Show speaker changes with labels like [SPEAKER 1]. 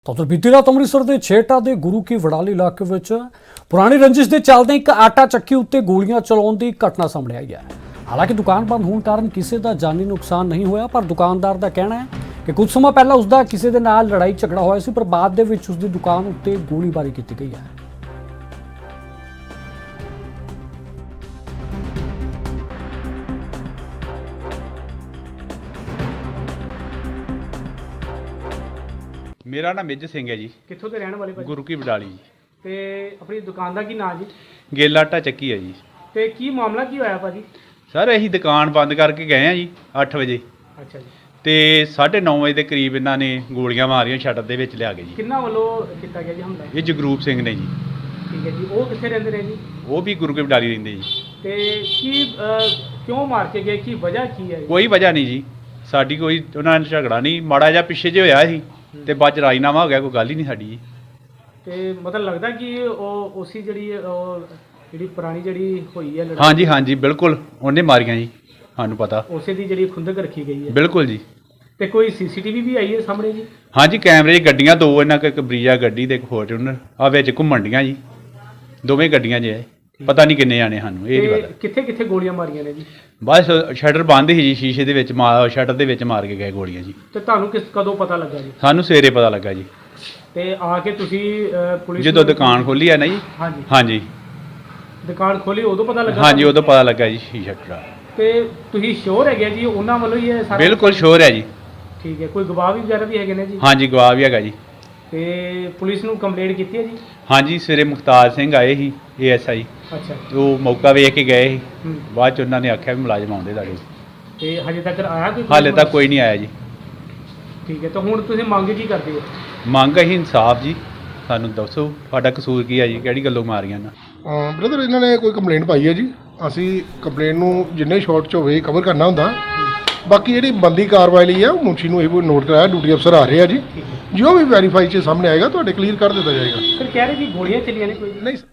[SPEAKER 1] ਤਾਂ ਬੀਤੀ ਰਾਤ ਅੰਮ੍ਰਿਤਸਰ ਦੇ ਛੇਹਟਾ ਦੇ ਗੁਰੂ ਕੀ ਵਡਾਲੀ ਇਲਾਕੇ ਵਿੱਚ ਪੁਰਾਣੀ ਰੰਜਿਸ਼ ਦੇ ਚੱਲਦੇ ਇੱਕ ਆਟਾ ਚੱਕੀ ਉੱਤੇ ਗੋਲੀਆਂ ਚਲਾਉਣ ਦੀ ਘਟਨਾ ਸਾਹਮਣੇ ਆਈ ਹੈ। ਹਾਲਾਂਕਿ ਦੁਕਾਨ ਬੰਦ ਹੋਣ ਕਾਰਨ ਕਿਸੇ ਦਾ ਜਾਨੀ ਨੁਕਸਾਨ ਨਹੀਂ ਹੋਇਆ, ਪਰ ਦੁਕਾਨਦਾਰ ਦਾ ਕਹਿਣਾ ਹੈ ਕਿ ਕੁਝ ਸਮਾਂ ਪਹਿਲਾਂ ਉਸ ਦਾ ਕਿਸੇ ਦੇ ਨਾਲ ਲੜਾਈ ਝਗੜਾ ਹੋਇਆ ਸੀ, ਪਰ ਬਾਅਦ ਦੇ ਵਿੱਚ ਉਸ ਦੀ ਦੁਕਾਨ ਉੱਤੇ ਗੋਲੀਬਾਰੀ ਕੀਤੀ ਗਈ ਹੈ।
[SPEAKER 2] मेरा नाम मेजर सिंह है जी।
[SPEAKER 3] कित्थों के रहने वाले भाजी?
[SPEAKER 2] गुरु की बडाली जी।
[SPEAKER 3] ते अपनी दुकान का की नाम जी?
[SPEAKER 2] गेला आटा ਚੱਕੀ है जी।
[SPEAKER 3] ते की मामला की होया भाजी?
[SPEAKER 2] सर ਅਸੀਂ ਦੁਕਾਨ ਬੰਦ ਕਰਕੇ ਗਏ ਆ ਜੀ 8 ਵਜੇ
[SPEAKER 3] अच्छा जी।
[SPEAKER 2] ਤੇ 9:30 ਵਜੇ ਦੇ ਕਰੀਬ ਇਹਨਾਂ ਨੇ ਗੋਲੀਆਂ ਮਾਰੀਆਂ ਸ਼ਟਰ ਦੇ ਵਿੱਚ ਲਿਆ ਕੇ ਜੀ।
[SPEAKER 3] किन्ना वालों किया गया जी हमला?
[SPEAKER 2] ਇਹ ਜਗਰੂਪ ਸਿੰਘ ਨੇ ਜੀ।
[SPEAKER 3] ठीक है जी। वो कित्थे रहंदे ने जी?
[SPEAKER 2] ਉਹ ਵੀ ਗੁਰੂ ਕੀ ਬਡਾਲੀ ਰਹਿੰਦੇ ਜੀ।
[SPEAKER 3] ते की क्यों मार के गए, की वजह की है?
[SPEAKER 2] ਕੋਈ ਵਜ੍ਹਾ ਨਹੀਂ ਜੀ, ਸਾਡੀ ਕੋਈ ਉਹਨਾਂ ਨਾਲ ਝਗੜਾ ਨਹੀਂ, ਮਾੜਾ ਜਿਹਾ ਪਿੱਛੇ ਜੇ ਹੋਇਆ ਸੀ ਤੇ ਬਾਅਦ ਚ ਰਾਜੀਨਾਮਾ ਹੋ ਗਿਆ, ਕੋਈ ਗੱਲ ਹੀ ਨਹੀਂ ਸਾਡੀ ਜੀ।
[SPEAKER 3] ਤੇ मतलब लगदा कि ਉਹ ਉਸੀ ਜਿਹੜੀ ਪੁਰਾਣੀ ਜਿਹੜੀ ਹੋਈ ਹੈ ਲੜਾਈ,
[SPEAKER 2] ਹਾਂਜੀ ਹਾਂਜੀ ਬਿਲਕੁਲ ਉਹਨੇ ਮਾਰੀਆਂ ਜੀ, ਸਾਨੂੰ ਪਤਾ।
[SPEAKER 3] ਉਸੇ ਦੀ ਜਿਹੜੀ ਖੁੰਦਕ ਰੱਖੀ ਗਈ ਹੈ।
[SPEAKER 2] ਬਿਲਕੁਲ ਜੀ।
[SPEAKER 3] ਤੇ ਕੋਈ ਸੀਸੀਟੀਵੀ ਵੀ ਆਈ ਹੈ ਸਾਹਮਣੇ ਜੀ?
[SPEAKER 2] ਹਾਂਜੀ ਕੈਮਰੇ 'ਚ ਗੱਡੀਆਂ ਦੋ, ਇਹਨਾਂ ਕੋਲ ਇੱਕ ਬਰੀਜਾ ਗੱਡੀ ਤੇ ਇੱਕ ਫੋਰਚੂਨਰ ਆ ਵਿੱਚ ਘੁੰਮਣ ਡੀਆਂ ਜੀ, ਦੋਵੇਂ ਗੱਡੀਆਂ 'ਚ ਹੈ। ਪਤਾ ਨਹੀਂ ਕਿੰਨੇ ਜਾਣੇ, ਸਾਨੂੰ ਇਹ ਨਹੀਂ ਪਤਾ।
[SPEAKER 3] ਕਿੱਥੇ ਕਿੱਥੇ ਗੋਲੀਆਂ ਮਾਰੀਆਂ ਨੇ ਜੀ?
[SPEAKER 2] ਬਸ ਸ਼ਟਰ ਬੰਦ ਸੀ ਜੀ, ਸ਼ੀਸ਼ੇ ਦੇ ਵਿੱਚ ਸ਼ਟਰ ਦੇ ਵਿੱਚ ਮਾਰ ਕੇ ਗਏ ਗੋਲੀਆਂ ਜੀ।
[SPEAKER 3] ਤੇ ਤੁਹਾਨੂੰ ਕਦੋਂ ਪਤਾ ਲੱਗਾ ਜੀ?
[SPEAKER 2] ਸਾਨੂੰ ਸਵੇਰੇ ਪਤਾ ਲੱਗਾ ਜੀ,
[SPEAKER 3] ਤੇ ਆ ਕੇ ਤੁਸੀਂ ਪੁਲਿਸ
[SPEAKER 2] ਜਦੋਂ ਦੁਕਾਨ ਖੋਲੀ ਆ ਨਾ ਜੀ।
[SPEAKER 3] ਹਾਂਜੀ
[SPEAKER 2] ਹਾਂਜੀ
[SPEAKER 3] ਦੁਕਾਨ ਖੋਲੀ ਉਦੋਂ ਪਤਾ ਲੱਗਾ?
[SPEAKER 2] ਹਾਂਜੀ ਉਦੋਂ ਪਤਾ ਲੱਗਾ ਜੀ ਸ਼ੀਸ਼ਾ ਟੁੱਟਾ।
[SPEAKER 3] ਤੇ ਤੁਸੀਂ ਸ਼ੋਰ ਹੈਗੇ ਜੀ ਉਹਨਾਂ ਵੱਲੋਂ ਹੀ ਇਹ ਸਾਰਾ?
[SPEAKER 2] ਬਿਲਕੁਲ ਸ਼ੋਰ ਹੈ ਜੀ।
[SPEAKER 3] ਠੀਕ ਹੈ। ਕੋਈ ਗਵਾਹ ਵੀ ਵਗੈਰਾ ਵੀ ਹੈਗੇ ਨੇ ਜੀ?
[SPEAKER 2] ਹਾਂਜੀ ਗਵਾਹ ਵੀ ਹੈਗਾ ਜੀ।
[SPEAKER 3] ਤੇ ਪੁਲਿਸ ਨੂੰ ਕੰਪਲੇਂਟ ਕੀਤੀ ਹੈ ਜੀ?
[SPEAKER 2] ਹਾਂਜੀ ਸਵੇਰੇ ਮੁਖਤਾਰ ਸਿੰਘ ਆਏ ਸੀ ASI,
[SPEAKER 3] ਅੱਛਾ।
[SPEAKER 2] ਉਹ ਮੌਕਾ ਵੇਖ ਕੇ ਗਏ ਸੀ।
[SPEAKER 3] ਹੂੰ।
[SPEAKER 2] ਬਾਅਦ ਚ ਉਹਨਾਂ ਨੇ ਆਖਿਆ ਵੀ ਮੁਲਾਜ਼ਮ ਆਉਂਦੇ ਤੁਹਾਡੇ।
[SPEAKER 3] ਤੇ ਹਜੇ ਤੱਕ ਆਇਆ ਕੋਈ?
[SPEAKER 2] ਹਾਲੇ ਤੱਕ ਕੋਈ ਨਹੀਂ ਆਇਆ ਜੀ।
[SPEAKER 3] ਠੀਕ ਹੈ। ਤਾਂ ਹੁਣ ਤੁਸੀਂ ਮੰਗ ਕੀ ਕਰਦੇ ਹੋ?
[SPEAKER 2] ਮੰਗ ਅਸੀਂ ਇਨਸਾਫ ਜੀ, ਸਾਨੂੰ ਦੱਸੋ ਤੁਹਾਡਾ ਕਸੂਰ ਕੀ ਹੈ ਜੀ, ਕਿਹੜੀ ਗੱਲੋਂ ਮਾਰੀਆਂ ਨਾ।
[SPEAKER 4] ਬ੍ਰਦਰ ਇਹਨਾਂ ਨੇ ਕੋਈ ਕੰਪਲੇਂਟ ਪਾਈ ਹੈ ਜੀ, ਅਸੀਂ ਕੰਪਲੇਂਟ ਨੂੰ ਜਿੰਨੇ ਸ਼ਾਰਟ 'ਚ ਹੋਵੇ ਕਵਰ ਕਰਨਾ ਹੁੰਦਾ। ਬਾਕੀ ਜਿਹੜੀ ਬੰਦੀ ਕਾਰਵਾਈ ਲਈ ਆ ਉਹ ਮੁਨਸ਼ੀ ਨੂੰ ਇਹ ਨੋਟ ਕਰਾਇਆ, ਡਿਊਟੀ ਅਫਸਰ ਆ ਰਹੇ ਆ ਜੀ। ਜੋ ਵੀ ਵੈਰੀਫਾਈ 'ਚ ਸਾਹਮਣੇ ਆਏਗਾ ਤੁਹਾਡੇ ਕਲੀਅਰ ਕਰ ਦਿੱਤਾ ਜਾਏਗਾ।
[SPEAKER 3] ਫਿਰ ਕਹਿ ਰਹੇ ਕਿ ਗੋਲੀਆਂ ਚੱਲੀਆਂ ਨੇ ਕੋਈ?
[SPEAKER 4] ਨਹੀਂ